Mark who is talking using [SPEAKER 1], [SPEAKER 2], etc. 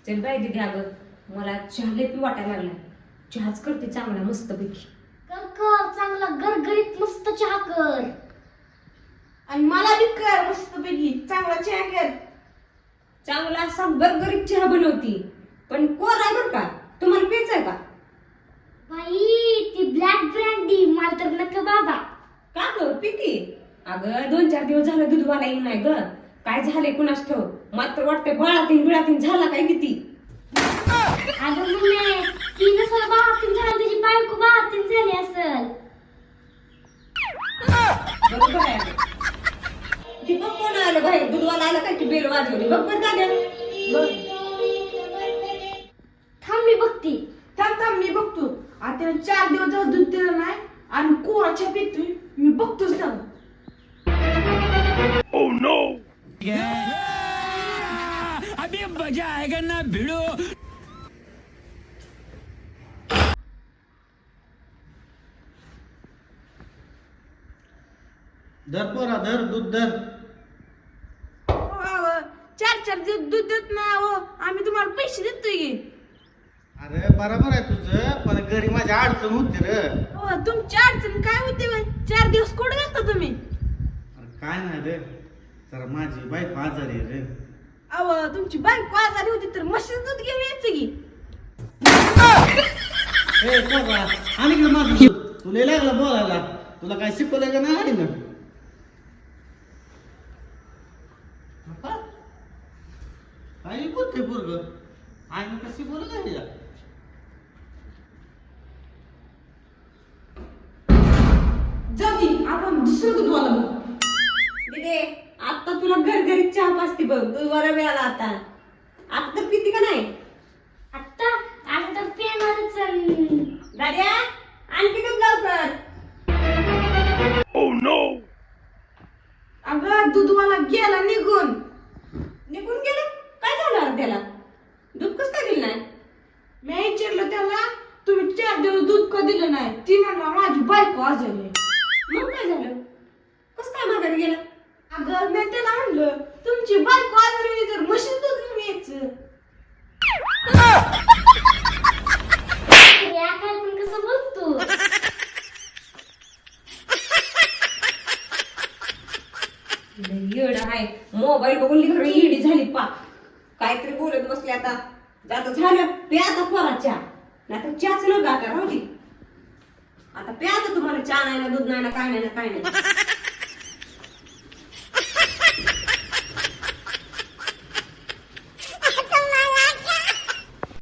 [SPEAKER 1] चल बाई दीदी, अगं मला चहा लय पी वाटायला लागला. चहाच करते चांगला मस्त पैकी.
[SPEAKER 2] कर कर चांगला गरगरीत मस्त चहा कर.
[SPEAKER 3] आणि मला बी कर मस्त पैकी चांगला चहा कर.
[SPEAKER 1] चांगला असा गरगरीत चहा बनवती, पण कोर आहे बरं का. तुम्हाला प्यायचं आहे का?
[SPEAKER 2] बाई ती ब्लॅक ब्रँडी मला तर नको बाबा.
[SPEAKER 1] का ग पिती? अगं 2-4 दिवस झालं दूधवाला येईन नाही ग. काय झालंय कुणास ठाव. मात्र वाटतंय बिळातीन झाला काय किती.
[SPEAKER 2] अगं मम्मी ती नसल बाहातीन झाली, त्याची बायको बाहातीन झाली असल.
[SPEAKER 1] बरोबर आहे अगं. ती बघ कोण आलं बाहेर, दूधवाला आला काय की बेल वाजवली. बघ बरं दाद्या. बघ.
[SPEAKER 2] थांब मी बघती.
[SPEAKER 3] थांब मी बघतो. आता 4 दिवस झालं दूध दिलं नाही आणि कोरा चहा पितोय. मी बघतोच ना.
[SPEAKER 4] अभी मजा आएगा ना भिड़ो.
[SPEAKER 5] धर पोरा धर दूध धर.
[SPEAKER 3] 4 दिवस दूध देत नाही अहो. आम्ही तुम्हाला पैसे देतोय की.
[SPEAKER 5] अरे बरोबर आहे तुझं, पण घरी माझी अडचण होती रे.
[SPEAKER 3] हो तुमची अडचण काय होती बाई? 4 दिवस कुठे गेलता तुम्ही?
[SPEAKER 5] अरे काय नाही रे, जरा माझी बायको आजारी आहे रे.
[SPEAKER 3] अहो तुमची बायको आजारी होती तर म्हशीचं दूध घेऊन यायचं की.
[SPEAKER 5] ए पोरा आणि का माझं दूध? तुला लागलं बोलायला. तुला काय शिकवलंय का नाही ना? काय बोलते पोरग? आई कशी बोलत आहे या?
[SPEAKER 3] जाऊ दे, आपण दुसरं दूधवाला बघू.
[SPEAKER 1] दीदी आता तुला घरघरीत चहा पाजते बघ. दूधवाला मिळाला आता. आता तर पिती का नाही?
[SPEAKER 2] आता आता तर पेनारच.
[SPEAKER 1] दाद्या आणखी दूध लवकर.
[SPEAKER 3] अगं दूधवाला गेला निघून.
[SPEAKER 1] निघून गेलं? काय झालं अरे त्याला? दूध कसं काय दिलं नाही?
[SPEAKER 3] मी विचारलं त्याला तुम्ही 4 दिवस दूध का दिलं नाही. ती म्हणला माझी बायको आजारी आहे.
[SPEAKER 1] मग काय झालं? कसं काय माघारी गेलं?
[SPEAKER 3] अगं मी त्याला म्हणलं तुमची बायको आजारी आहे तर म्हशीचं दूध घेऊन यायचं.
[SPEAKER 2] या काय पण कसं बोलतो.
[SPEAKER 1] येड आहे. मोबाईल बघून लिखर येडी झाली पाक. काहीतरी बोलत बसले आता. आता झालं प्या आता पोरा चहा. नाही तर चहाच न गाता राहू दे. आता प्या आता तुम्हाला चहा नाही ना दूध नाही ना काय नाही ना काय नाही.